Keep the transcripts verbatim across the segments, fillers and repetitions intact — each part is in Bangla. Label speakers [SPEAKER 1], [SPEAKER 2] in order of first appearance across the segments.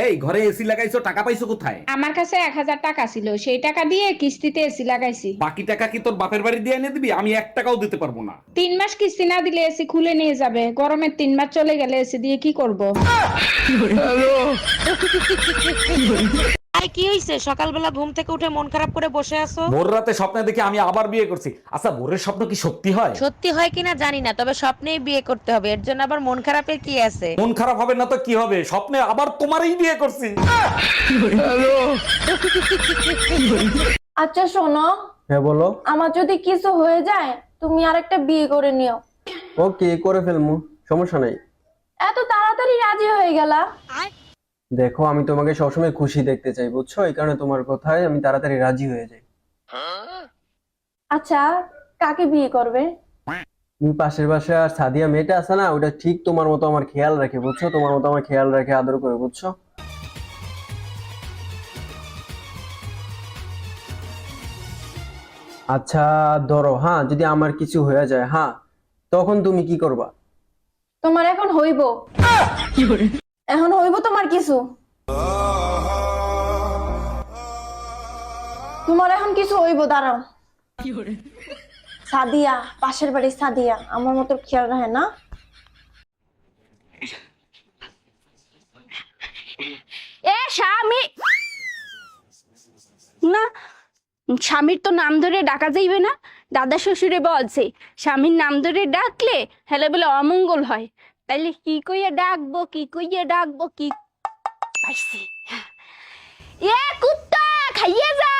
[SPEAKER 1] এই ঘরে এসি লাগাইছো, টাকা পাইছো কোথায়?
[SPEAKER 2] আমার কাছে এক হাজার টাকা ছিল, সেই টাকা দিয়ে কিস্তিতে এসি লাগাইছি।
[SPEAKER 1] বাকি টাকা কি তোর বাপের বাড়ি দিয়ে এনে দিবি? আমি এক টাকাও দিতে পারবো না।
[SPEAKER 2] তিন মাস কিস্তি না দিলে এসি খুলে নিয়ে যাবে। গরমের তিন মাস চলে গেলে এসি দিয়ে কি করব?
[SPEAKER 3] কি হইছে? সকালবেলা ঘুম থেকে উঠে মন খারাপ করে বসে আছো?
[SPEAKER 1] ভোর রাতে স্বপ্নে দেখি আমি আবার বিয়ে করছি। আচ্ছা, ভোরের স্বপ্ন কি সত্যি হয়?
[SPEAKER 3] সত্যি হয় কিনা জানি না, তবে স্বপ্নেই বিয়ে করতে হবে। এর জন্য আবার মন খারাপের কি আছে?
[SPEAKER 1] মন খারাপ হবে না তো কি হবে? স্বপ্নে আবার তোমারই বিয়ে করছি।
[SPEAKER 4] আচ্ছা শোনো,
[SPEAKER 5] হ্যাঁ বলো।
[SPEAKER 4] আমার যদি কিছু হয়ে যায় তুমি আরেকটা বিয়ে করে নিও।
[SPEAKER 5] ওকে, করে ফেলমু, সমস্যা নাই।
[SPEAKER 4] এত তাড়াতাড়ি রাজি হয়ে গেলা?
[SPEAKER 5] দেখো, আমি তোমাকে সবসময় খুশি দেখতে চাই, বুঝছো? এই কারণে তোমার কথায় আমি তাড়াতাড়ি রাজি হয়ে যাই।
[SPEAKER 4] আচ্ছা, কাকে বিয়ে করবে?
[SPEAKER 5] তুমি পাশের বাসা আর সাদিয়া মেয়েটা আছে না, ওটা ঠিক তোমার মতো আমার খেয়াল রাখে, বুঝছো? তোমার মতো আমার খেয়াল রাখে, আদর করে, বুঝছো? আচ্ছা ধরো, হ্যাঁ, যদি আমার কিছু হয়ে যায়, হ্যাঁ, তখন তুমি কি করবা?
[SPEAKER 4] তোমার এখন হইব। এখন হইব তোমার কিছু। তোমার এখন কিছু হইব, দাঁড়াও। সাদিয়া, পাশের বাড়ির সাদিয়া আমার মতো খেয়াল রাখে না?
[SPEAKER 6] এ স্বামী না, স্বামীর তো নাম ধরে ডাকা যাইবে না। দাদা শ্বশুরে বলছে স্বামীর নাম ধরে ডাকলে হেলে বলে অমঙ্গল হয়। তাইলে কি কইয়া ডাকবো, কি কইয়া ডাকবো, কি পাইছি? এ কুত্তা, খাইয়ে যা।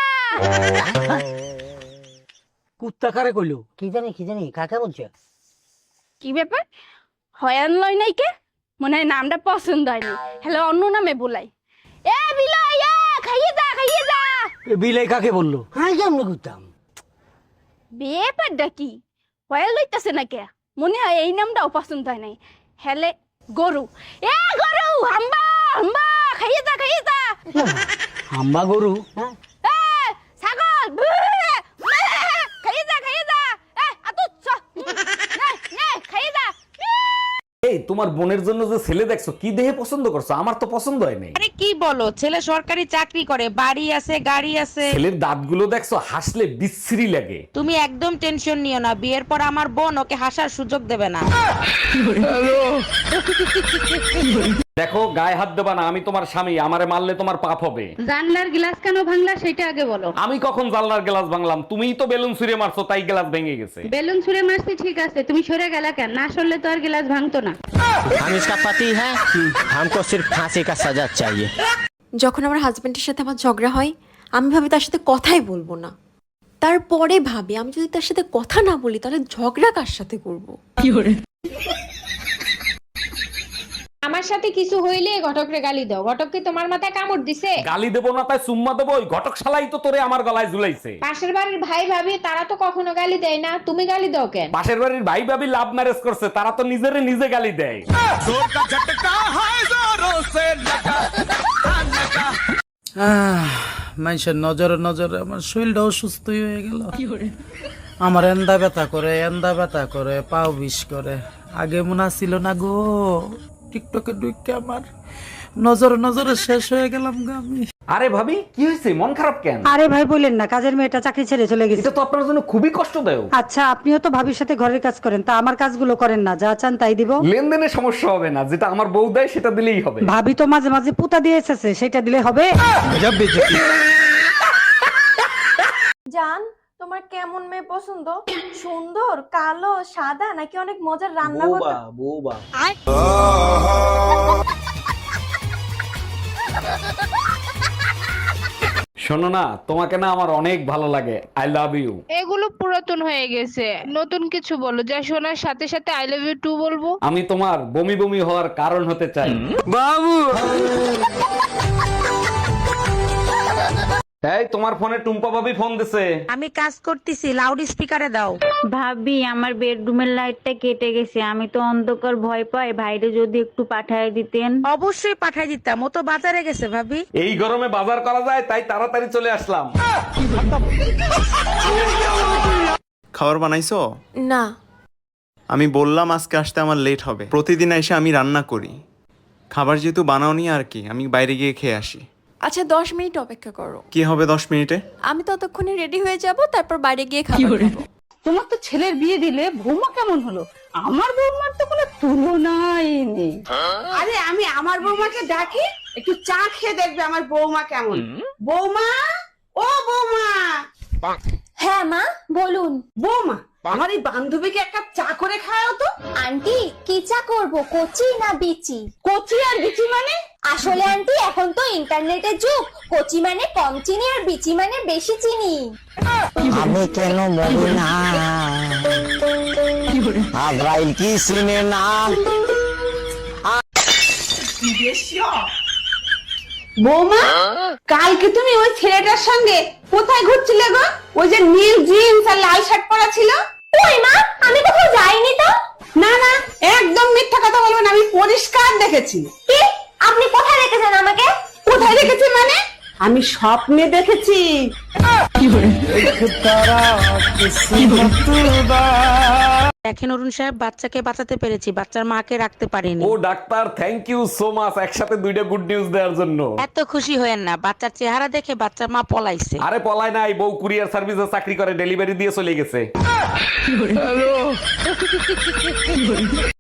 [SPEAKER 7] কুত্তা কারে কইলো? কি জানি কি জানি কাকে বলছে?
[SPEAKER 6] কি ব্যাপার, হয়ান লয় নাই কে? মনে হয় নামটা পছন্দ হয়নি, হেলে অন্য নামে বলাই। এ বিলাই, এ খাইয়ে যা, খাইয়ে যা।
[SPEAKER 7] বিলাই কাকে বললো? হ্যাঁ কেমন করতাম?
[SPEAKER 6] ব্যাপারটা কি, হয়াল লইতাছে না কে? মনে হয় এই নামটাও পছন্দ হয় নাই। হেলে গরু, এ গরু, হাম্বা হাম্বা, খাইয়ে যা, খাইয়ে যা।
[SPEAKER 7] হাম্বা গরু? হ্যাঁ
[SPEAKER 6] এ ছাগল, বে, বে, খাইয়ে যা, খাইয়ে যা। এ আতুত চ, নে নে খাইয়ে যা।
[SPEAKER 1] এই তোমার বোনের জন্য যে ছেলে দেখছো, কি দেহে পছন্দ করছো? আমার তো পছন্দ হয় নাই।
[SPEAKER 3] আরে কি বলো, ছেলে সরকারি চাকরি করে, বাড়ি আছে, গাড়ি আছে।
[SPEAKER 1] ছেলের দাঁতগুলো দেখছো, হাসলে বিশ্রী লাগে।
[SPEAKER 3] তুমি একদম টেনশন নিও না, বিয়ের পর আমার বোন ওকে হাসার সুযোগ দেবে না।
[SPEAKER 1] দেখো, গায়ে হাত দেবা না, আমি তোমার স্বামী, আমারে মারলে তোমার পাপ হবে।
[SPEAKER 2] জানলার গ্লাস কেন ভাঙলা সেটা আগে বলো।
[SPEAKER 1] আমি কখন জানলার গ্লাস ভাঙলাম? তুমিই তো বেলুন ছুঁড়ে মারছো, তাই গ্লাস ভেঙে গেছে।
[SPEAKER 2] বেলুন ছুঁড়ে মারছি ঠিক আছে, তুমি সরে গেলা কেন? না সরলে তো আর গ্লাস ভাঙতো না।
[SPEAKER 8] हम इसका पति है, हमको सिर्फ फांसी का सजा चाहिए।
[SPEAKER 9] যখন আমার হাজবেন্ডের সাথে আমার ঝগড়া হয়, আমি ভাবি তার সাথে কথাই বলবো না। তারপরে ভাবি আমি যদি তার সাথে কথা না বলি তাহলে ঝগড়া কার সাথে করবো।
[SPEAKER 2] আমার সাথে কিছু হইলে ঘটকরে গালি দাও। ঘটক কি তোমার মাথায় কামড় দিছে?
[SPEAKER 1] গালি দেবো না তাই চুম্মা দেবো? ওই ঘটক শালাই তো তোরে আমার গলায় ঝুলাইছে।
[SPEAKER 2] পাশের বাড়ির ভাই ভাবি তারা তো কখনো গালি দেয় না, তুমি গালি দাও কেন?
[SPEAKER 1] পাশের বাড়ির ভাই ভাবি লাভ ম্যারেজ করছে, তারা তো নিজেরে নিজে গালি দেয়।
[SPEAKER 7] মানুষের নজরে নজরে আমার শরীরটা অসুস্থ হয়ে গেল। আমার এন্দা ব্যথা করে, এন্দা ব্যথা করে, পাও বিষ করে। আগে মনে ছিল না গো, টিকটকে ঢুকে আমার নজরে নজরে শেষ হয়ে গেলাম গো আমি।
[SPEAKER 1] আরে ভাবি, কি হয়েছে? মন খারাপ কেন?
[SPEAKER 10] আরে ভাই বলেন না, কাজের মেয়েটা চাকরি ছেড়ে চলে গেছে।
[SPEAKER 1] এটা তো আপনার জন্য খুবই কষ্টদায়ক।
[SPEAKER 10] আচ্ছা, আপনিও তো ভাবির সাথে ঘরের কাজ করেন, তা আমার কাজগুলো করেন না, যা চান তাই দিব।
[SPEAKER 1] লেনদেনে সমস্যা হবে না, যেটা আমার বউ দেয় সেটা দিলেই হবে।
[SPEAKER 10] ভাবি তো মাঝে মাঝে পুতা দিয়ে এসেছে, সেটা দিলে হবে।
[SPEAKER 4] জান, তোমার কেমন মেয়ে পছন্দ? সুন্দর, কালো, সাদা, নাকি অনেক মজার রান্না করতে?
[SPEAKER 5] বৌবা।
[SPEAKER 1] শোনো না, তোমাকে না আমার অনেক ভালো লাগে। I love you.
[SPEAKER 2] এগুলো পুরাতন হয়ে গেছে, নতুন কিছু বলো যা শোনার সাথে সাথে আই লাভ ইউ টু বলবো।
[SPEAKER 1] আমি তোমার বমি বমি হওয়ার কারণ হতে চাই।
[SPEAKER 7] বাবু,
[SPEAKER 1] এই তোমার ফোনে টুম্পা ভাবি ফোন দিছে।
[SPEAKER 3] আমি কাজ করতেছি, লাউড স্পিকারে দাও।
[SPEAKER 11] ভাবি, আমার বেডরুমের লাইটটা কেটে গেছে, আমি তো অন্ধকার ভয় পাই, ভাইরে যদি একটু পাঠায় দিতেন।
[SPEAKER 3] অবশ্যই পাঠাই দিতাম, ও তো বাজারে গেছে ভাবি।
[SPEAKER 1] এই গরমে বাজার করা যায়, তাই তাড়াতাড়ি চলে আসলাম।
[SPEAKER 12] খাবার বানাইছো?
[SPEAKER 9] না।
[SPEAKER 12] আমি বললাম আজকে আসতে আমার লেট হবে। প্রতিদিন এসে আমি রান্না করি, খাবার যেহেতু বানাওনি আর কি, আমি বাইরে গিয়ে খেয়ে আসি।
[SPEAKER 9] আচ্ছা দশ মিনিট অপেক্ষা করো,
[SPEAKER 12] কি হবে দশ মিনিটে?
[SPEAKER 9] আমি ততক্ষণে রেডি হয়ে যাব, তারপর বাইরে গিয়ে খাবার খাবো।
[SPEAKER 10] তোমার তো ছেলের বিয়ে দিলে বৌমা কেমন হলো? আমার বৌমার তো কোনো তুলনাই নেই। আরে আমি আমার বৌমাকে ডাকি, একটু চা খেয়ে দেখবে আমার বৌমা কেমন। বৌমা, ও বৌমা।
[SPEAKER 4] হ্যাঁ মা বলুন।
[SPEAKER 10] বৌমা, আমার এই বান্ধবীকে এক কাপ চা করে খাওয়াও তো।
[SPEAKER 4] আন্টি কি চা করবো, কচি না বিচি?
[SPEAKER 10] কচি আর বিচি মানে?
[SPEAKER 4] আসলে আন্টি এখন তো ইন্টারনেটের যুগ, কচি মানে কম চিনি আর বিচি মানে বেশি চিনি।
[SPEAKER 8] আমি কেন মরি না আজরাইল কি শুনে না।
[SPEAKER 10] বৌমা, কালকে তুমি ওই ছেলেটার সঙ্গে কোথায় ঘুরছিলে গো? ওই যে নীল জিন্স আর লাল শার্ট পরা ছিল।
[SPEAKER 4] ওই মা, আমি কোথাও যাইনি তো।
[SPEAKER 10] না না, একদম মিথ্যা কথা বলবেন, আমি পরিষ্কার দেখেছি।
[SPEAKER 4] কি? আপনি কোথায় রেখেছেন আমাকে?
[SPEAKER 10] কোথায় দেখেছি মানে? আমি স্বপ্নে দেখেছি।
[SPEAKER 3] দেখেন অরুণ সাহেব, বাচ্চাকে বাঁচাতে পেরেছি, বাচ্চার মাকে রাখতে পারিনি।
[SPEAKER 1] ও doctor, thank you so much একসাথে দুইটা গুড নিউজ দেওয়ার জন্য।
[SPEAKER 3] এত খুশি হয়েন না, বাচ্চার চেহারা দেখে বাচ্চার মা পলাইছে।
[SPEAKER 1] আরে পলায় নাই, বউ কুরিয়ার সার্ভিসে চাকরি করে, ডেলিভারি দিয়ে চলে গেছে।